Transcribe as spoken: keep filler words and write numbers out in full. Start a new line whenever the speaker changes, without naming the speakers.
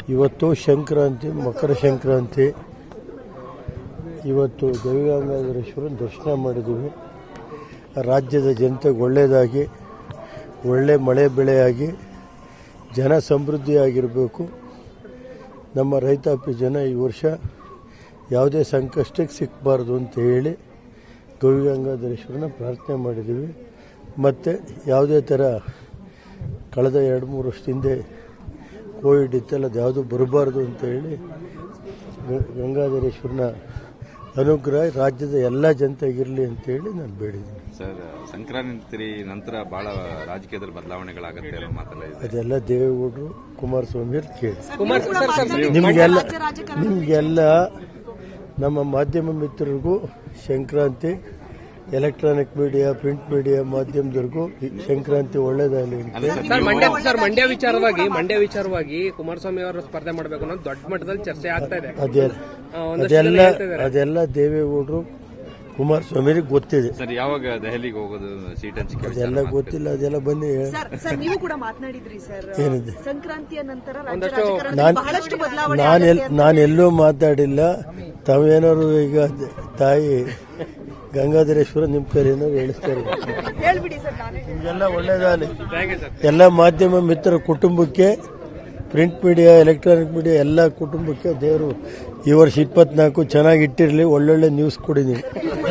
ಇವತ್ತು ಸಂಕ್ರಾಂತಿ, ಮಕರ ಸಂಕ್ರಾಂತಿ. ಇವತ್ತು ದೇವಿಗಂಗಾಧರೇಶ್ವರನ ದರ್ಶನ ಮಾಡಿದ್ದೀವಿ. ರಾಜ್ಯದ ಜನತೆಗೆ ಒಳ್ಳೆಯದಾಗಿ, ಒಳ್ಳೆ ಮಳೆ ಬೆಳೆಯಾಗಿ, ಜನ ಸಮೃದ್ಧಿಯಾಗಿರಬೇಕು. ನಮ್ಮ ರೈತಾಪಿ ಜನ ಈ ವರ್ಷ ಯಾವುದೇ ಸಂಕಷ್ಟಕ್ಕೆ ಸಿಕ್ಕಬಾರ್ದು ಅಂತ ಹೇಳಿ ಗವಿಗಂಗಾಧರೇಶ್ವರನ ಪ್ರಾರ್ಥನೆ ಮಾಡಿದ್ದೀವಿ. ಮತ್ತು ಯಾವುದೇ ಥರ ಕಳೆದ ಎರಡು ಮೂರು ವರ್ಷದಿಂದ ಕೋವಿಡ್ ಇತ್ತೆಲ್ಲ ಅದು ಯಾವುದೂ ಬರಬಾರ್ದು ಅಂತ ಹೇಳಿ ಗಂಗಾಧರೇಶ್ವರನ ಅನುಗ್ರಹ ರಾಜ್ಯದ ಎಲ್ಲ ಜನತೆಗಿರಲಿ ಅಂತ ಹೇಳಿ ನಾನು ಬೇಡಿದ್ದೀನಿ.
ಸರ್, ಸಂಕ್ರಾಂತಿ ನಂತರ ಬಹಳ ರಾಜಕೀಯದಲ್ಲಿ ಬದಲಾವಣೆಗಳಾಗುತ್ತೆ ಅನ್ನೋ ಮಾತೆಲ್ಲ ಇದೆ.
ಅದೆಲ್ಲ ದೇವೇಗೌಡರು, ಕುಮಾರಸ್ವಾಮಿ ಅವ್ರು ಕೇಳಿ. ನಿಮಗೆಲ್ಲ ನಿಮಗೆಲ್ಲ ನಮ್ಮ ಮಾಧ್ಯಮ ಮಿತ್ರರಿಗೂ Sankranti, electronic media, print media ಮಾಧ್ಯಮದವರೆಗೂ ಸಂಕ್ರಾಂತಿ ಒಳ್ಳೇದಾಗಲಿ ಅಂತ.
ಸರ್, ಮಂಡ್ಯ ವಿಚಾರವಾಗಿ ಮಂಡ್ಯ ವಿಚಾರವಾಗಿ ಕುಮಾರಸ್ವಾಮಿ ಅವರು ಸ್ಪರ್ಧೆ ಮಾಡಬೇಕು ಅನ್ನೋದು ದೊಡ್ಡ ಮಟ್ಟದಲ್ಲಿ ಚರ್ಚೆ ಆಗ್ತಾ ಇದೆ.
ಅದೆಲ್ಲ ಅದೆಲ್ಲ ದೇವೇಗೌಡರು, ಕುಮಾರಸ್ವಾಮಿಗೆ ಗೊತ್ತಿದೆ.
ಸರ್, ಯಾವಾಗ ದೆಹಲಿಗೆ ಹೋಗೋದು, ಸೀಟ್ ಹಂಚಿಕೆ
ಅದೆಲ್ಲ ಗೊತ್ತಿಲ್ಲ. ಅದೆಲ್ಲ ಬನ್ನಿ.
ನೀವು ಕೂಡ ಮಾತನಾಡಿದ್ರಿ ಸರ್,
ಏನಿದೆ
ಸಂಕ್ರಾಂತಿಯ ನಂತರ
ನಾನೆಲ್ಲೂ ಮಾತಾಡಿಲ್ಲ. ತಾವೇನಾದ್ರು ಈಗ ತಾಯಿ ಗಂಗಾಧರೇಶ್ವರ ನಿಮ್ಮ ಕೈ ಏನಾದ್ರು ಹೇಳಿಸ್ತಾರೆ. ನಿಮಗೆಲ್ಲ ಒಳ್ಳೇದಾಗಲಿ. ಎಲ್ಲ ಮಾಧ್ಯಮ ಮಿತ್ರ ಕುಟುಂಬಕ್ಕೆ, ಪ್ರಿಂಟ್ ಮೀಡಿಯಾ, ಎಲೆಕ್ಟ್ರಾನಿಕ್ ಮೀಡಿಯಾ ಎಲ್ಲ ಕುಟುಂಬಕ್ಕೆ ದೇವರು ಈ ವರ್ಷ ಇಪ್ಪತ್ನಾಲ್ಕು ಚೆನ್ನಾಗಿ ಇಟ್ಟಿರಲಿ. ಒಳ್ಳೊಳ್ಳೆ ನ್ಯೂಸ್ ಕೊಡಿ ನೀವು.